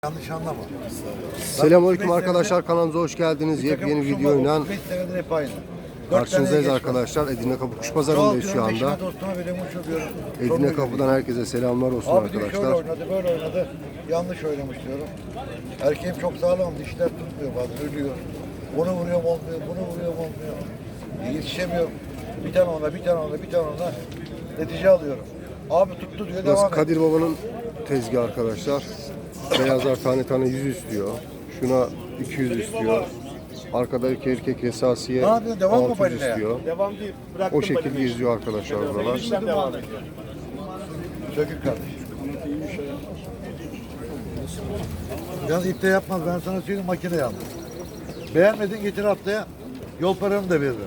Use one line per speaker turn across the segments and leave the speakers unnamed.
Yanlış anlama.
Selamünaleyküm arkadaşlar, kanalımıza hoş geldiniz. Yepyeni videoyla karşınızdayız arkadaşlar. Edirne Kapı Kuş Pazarı'ndayız şu anda. Edirne Kapı'dan herkese selamlar olsun arkadaşlar.
Şöyle oynadı, böyle oynadı. Yanlış oynamış diyorum. Erkeğim çok sağlam, dişler tutmuyor bazen, ölüyor. Bunu vuruyorum olmuyor, bunu vuruyorum olmuyor. Yetişemiyorum. Bir tane ona, bir tane ona, bir tane ona. Netice alıyorum. Abi tuttu diyor,
Burası
devam et.
Kadir Baba'nın tezgahı arkadaşlar. Beyazlar tane tane 100 istiyor. Şuna 200 istiyor. Arkadaki erkek esasiye
Ne yapıyorsun? Devam mı
600
balinaya?
istiyor.
Devam değil. Bıraktım
O şekilde geziyor arkadaşlar buralar.
İşlem devam ediyor.
Sökük kardeş. Yalnız ipte yapmaz, ben sana söyleyeyim, makineye al. Beğenmedin, getir haftaya. Yol paranı da veririm.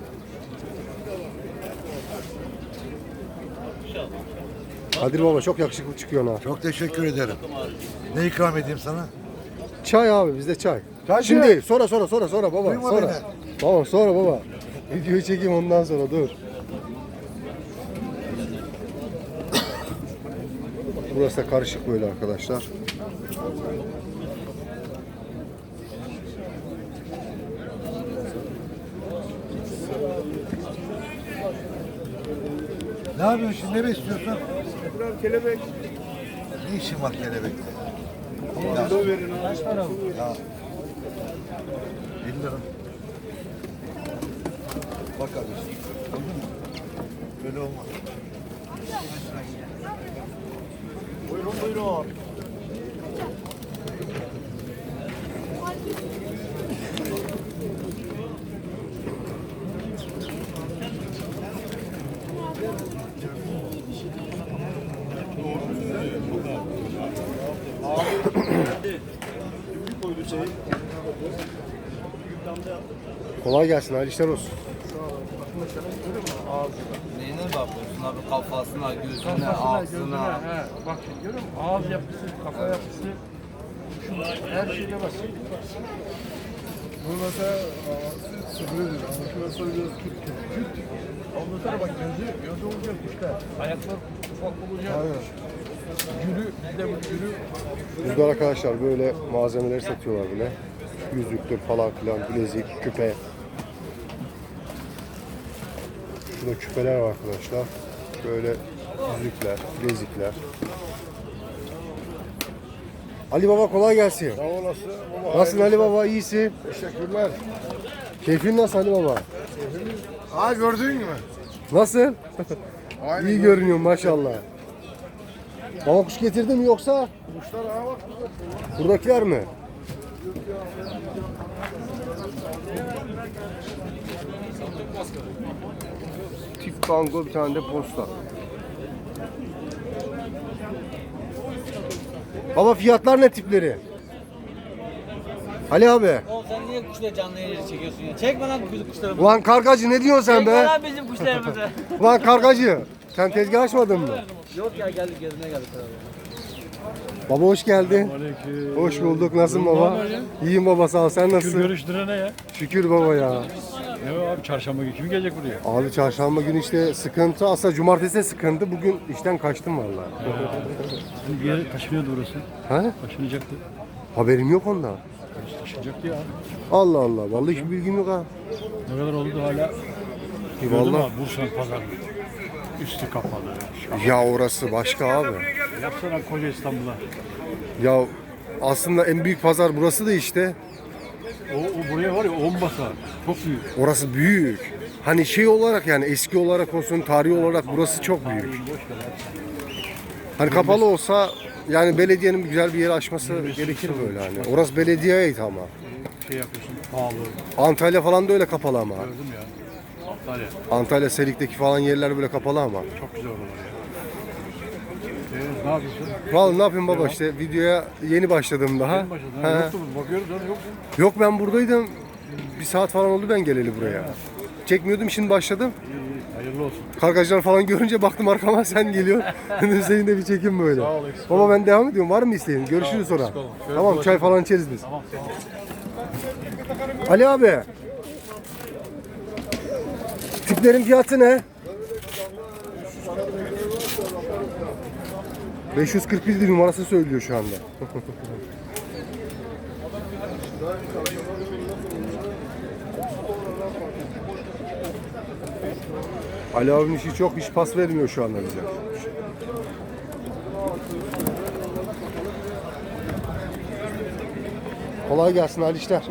Kadir Baba çok yakışıklı çıkıyor ha.
Çok teşekkür ederim. Ne ikram edeyim sana?
Çay abi, bizde çay.
Çay
Şimdi
çay.
sonra baba.
Duyma
Sonra.
beni.
Tamam sonra baba. Videoyu çekeyim ondan sonra dur. Burası da karışık böyle arkadaşlar.
Ne yapıyorsun şimdi? Ne besliyorsun?
Kelebek.
Ne işin var kelebekle?
Kilo verin. Kaç para bu?
Ya. 50 lira. Bak kardeşim. Gördün mü? Böyle olmaz.
Buyurun buyurun.
Kolay gelsin, hayırlı işler olsun.
Neyine bakıyorsun abi, kafasına, gözüne,
Gözüne,
ağzına.
he. Bak şimdi görüyor musun? Ağız yapısı, kafa yapısı. Şu her şeyle bak.
Bu mesela sıfırıdır ama şurası biraz küt.
Ondan sonra bak gözü olacak kuşlar. Ayaklar ufak olacak.
Aynen.
Gülü, bir de bu gülü.
Burada arkadaşlar böyle malzemeleri satıyorlar bile. Yüzüktür falan filan, bilezik, küpe. Şurada küpeler var arkadaşlar. Böyle yüzükler, bilezikler. Ali Baba kolay gelsin.
Sağ olasın. Baba,
Nasılsın Ali Baba, iyisin?
teşekkürler.
Keyfin nasıl Ali Baba?
Aa gördün mü?
Nasıl?
Aynen.
İyi görünüyor maşallah. Baba kuş getirdin mi yoksa?
Kuşlar ağa bak.
Buradakiler mi? Tip bango, bir tane de posta. Baba fiyatlar ne tipleri? Ali abi.
Oğlum sen niye kuşları canlı yayını çekiyorsun ya? Çekme lan bizim kuşlarımızı.
Ulan kargacı ne diyorsun sen
Çekme
be?
lan bizim kuşlarımızı.
Ulan kargacı. Sen tezgah açmadın mı?
Yok ya geldik gezmeye geldik abi.
Baba hoş geldin. Hoş bulduk. Nasılsın baba? İyiyim baba, sağ ol. Sen nasılsın?
Görüştürene ya.
Şükür baba ya.
Ne o abi, çarşamba günü kim gelecek buraya?
Abi çarşamba günü işte sıkıntı. Aslında cumartesi de sıkıntı. Bugün işten kaçtım vallahi.
Şimdi bir yere taşınıyordu orası.
Ha?
Taşınacaktı.
Haberim yok ondan.
Taşınacaktı ya.
Allah Allah. Vallahi hiç bilgim yok ha.
Ne kadar oldu hala? Gördün mü
Vallahi.
abi, Bursa'nın pazarı. Üstü kapalı.
Ya orası başka abi.
Yapsana koca İstanbul'a.
Ya aslında en büyük pazar burası da işte.
O buraya var ya 10 basa. Çok büyük.
Orası büyük. Hani şey olarak, yani eski olarak olsun, tarihi olarak burası çok büyük. Hani kapalı olsa yani belediyenin güzel bir yeri açması gerekir böyle hani. Orası belediyeye ait ama.
Şey yapıyorsun, pahalı.
Antalya falan da öyle kapalı ama.
Gördüm ya. Antalya.
Antalya Serik'teki falan yerler böyle kapalı ama.
Çok güzel oralar ya. Ne yapıyorsun?
Vallahi ne yapayım baba, işte videoya yeni başladım daha.
En başında.
He.
Yoktu mu? Bakıyoruz lan, yok mu?
Yok, ben buradaydım. Bir saat falan oldu ben geleli buraya. Çekmiyordum, şimdi başladım.
İyi, hayırlı olsun.
Kargacılar falan görünce baktım arkama sen geliyor. Dedim senin de bir çekim böyle. Baba ben devam ediyorum. Var mı isteğin? Görüşürüz sonra. Tamam, çay falan içeriz biz. Ali abi. Tiplerin fiyatı ne? 541 numarası söylüyor şu anda. Ali abinin işi çok, hiç pas vermiyor şu anda bize. Kolay gelsin, hayırlı işler.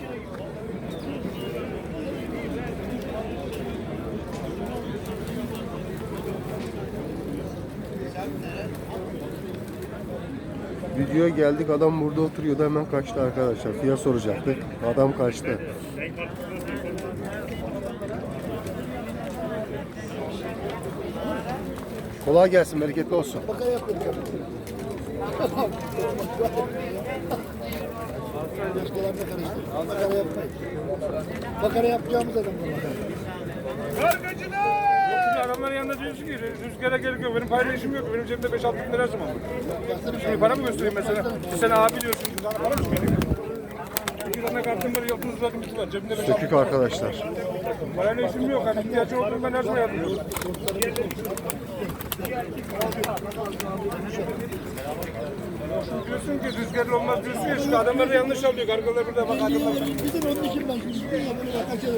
Videoya geldik, adam burada oturuyordu, hemen kaçtı arkadaşlar. Fiyat soracaktık, adam kaçtı. Kolay gelsin, bereketli olsun.
Bakara yapacağımız adam bu.
Adamların yanında diyorsun ki rüzgara gerek yok. Benim paylaşım yok. Benim cebimde 5-6 bin lira zaman var. Şimdi para mı göstereyim mesela? Sen abi diyorsun. Sana para mı söyleyeyim? İki tane kartım var. Yolun uzatım iki var. Cebimde 5-6 bin
Sökük
lira.
arkadaşlar.
Parayla işim yok. Hani ihtiyacı olduğum ben her zaman yardımcı olurum. Diyorsun ki rüzgarlı olmaz diyorsun ya. Şimdi adamlar da yanlış alıyor. Kargalar burada bak adamlar.
Bizim onun için ben şimdi kaçalım.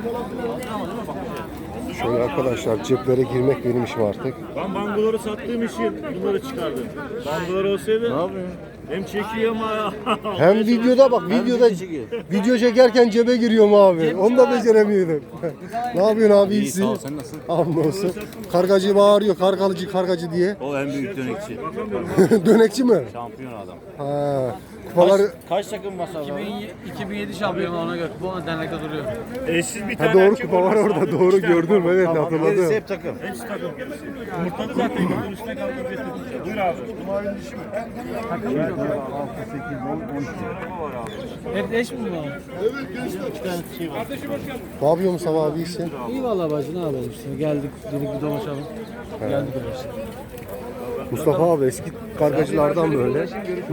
Şöyle arkadaşlar, ceplere girmek benim işim artık.
Ben bangoları sattığım için bunları çıkardım. Bangolar olsaydı ne yapayım? Hem çekiyor ama
Hem videoda bak, video çekerken cebe giriyorum abi. Onu da beceremiyordum. Ne yapıyorsun abi, iyisin?
sağ ol, sen nasılsın?
Hamdolsun. Kargacı bağırıyor, kargacı diye.
o en büyük dönekçi.
Dönekçi mi?
Şampiyon adam.
Ha. Kupaları...
Kaç takım masal var?
2007 şampiyonu ona göre. Bu dernekte duruyor.
Eşsiz bir tane
Ha, doğru,
erkek
kupa var
olmasa
orada, doğru
üç tane
gördüm,
var.
evet,
Tamam,
hatırladım.
gerisi hep takım. Hepsi takım. Yumurtladı zaten. Yumurtanın üstüne kalkıp getirdik. Buyur abi. Kumarın dişi mi? Takım yok. 6, 8, 10, 12.
Hep eş mi bu?
Ne yapıyor Mustafa abi, iyisin?
İyi vallahi bacı, ne yapalım işte. Geldik, dedik bir dolaşalım. Geldik öyle işte.
Mustafa abi eski kargacılardan böyle.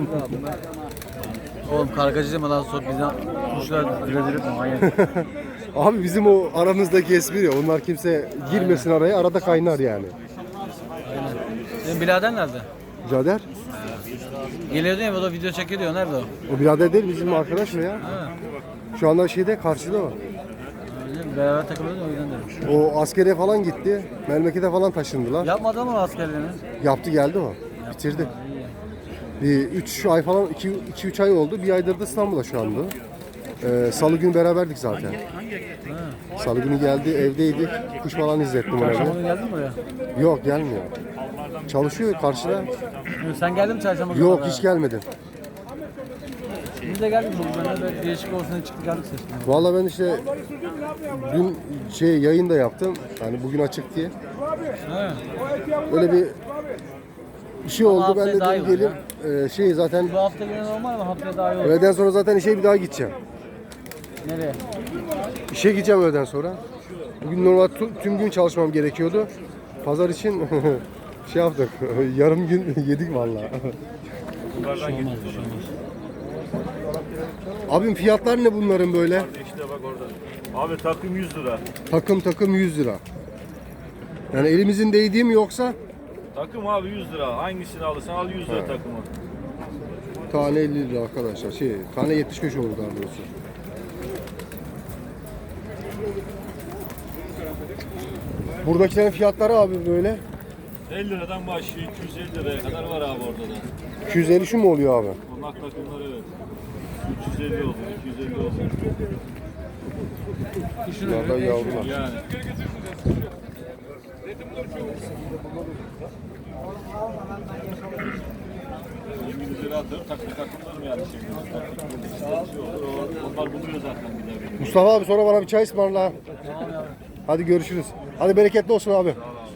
Oğlum kargacı deme lan, sonra bizden kuşlar diredir mi? Manyak.
Abi bizim o aramızdaki espri ya, onlar kimse girmesin araya, arada kaynar yani.
Senin birader nerede?
Birader?
Geliyordu ya, o da video çekiyor diyor. Nerede o?
O birader değil, bizim arkadaş mı ya?
Ha.
Şu anda şeyde, karşıda o.
Öyle, beraber takılıyordu, o yüzden demiş.
O askere falan gitti. Memlekete falan taşındılar.
Yapmadı ama askerliğini.
Yaptı, geldi o. Bitirdi. Bir 3 ay falan, 2-3 ay oldu. Bir aydır da İstanbul'da şu anda. Salı günü beraberdik zaten. Salı günü geldi, evdeydik. Kuş falan izlettim ona.
Çarşamba geldin mi oraya?
Yok, gelmiyor. Çalışıyor karşıda.
Sen geldin mi çarşamba?
Yok,
günü?
hiç gelmedim.
Biz de geldik. Ben de değişik olsun diye çıktık geldik seçtim.
Vallahi ben işte dün yayın da yaptım. Yani bugün açık diye.
Ha.
Öyle bir şey oldu. Ben
haftaya
de
daha iyi
dedim
olur
gelip zaten
Bu hafta yine normal ama haftaya daha iyi olur.
öğleden sonra zaten işe bir daha gideceğim.
Nereye?
İşe gideceğim öğleden sonra. Bugün normal tüm gün çalışmam gerekiyordu. Pazar için şey yaptık. Yarım gün yedik vallahi. Abim fiyatlar ne bunların böyle?
İşte bak orada. Abi takım 100 lira.
Takım 100 lira. Yani elimizin değdiği mi yoksa
Takım abi 100 lira. Hangisini alırsan al 100 lira takımı.
tane 50 lira arkadaşlar. Tane 75 olur daha doğrusu. Buradakilerin fiyatları abi böyle.
50 liradan başlıyor 250 liraya kadar var abi orada da.
250 şu mu oluyor abi?
Onlar takımları evet. 350 olsun, 250 olsun.
Bunlardan yavrular.
Yani. İngilizleri atıyorum, takımlarım yani şimdi. Şey olur, onlar buluyor zaten bir de.
Mustafa abi sonra bana bir çay ısmarla. Hadi görüşürüz. Hadi bereketli olsun abi.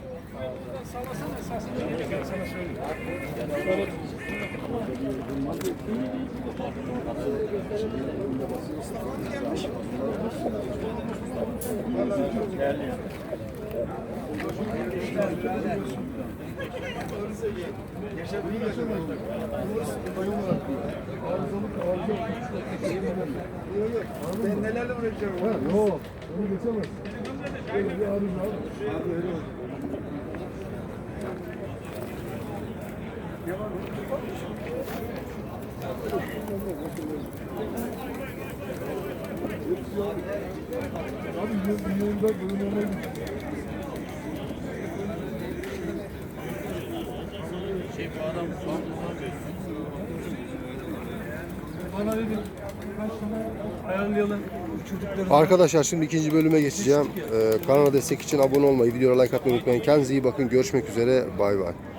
Ben nelerle uğraşıyorum? Yok. Onu geçemez.
Bana dedi kaç tane ayarlayalım çocukları.
Arkadaşlar şimdi ikinci bölüme geçeceğim. Kanala destek için abone olmayı, videoya like atmayı unutmayın. Kendinize iyi bakın. Görüşmek üzere. Bay bay.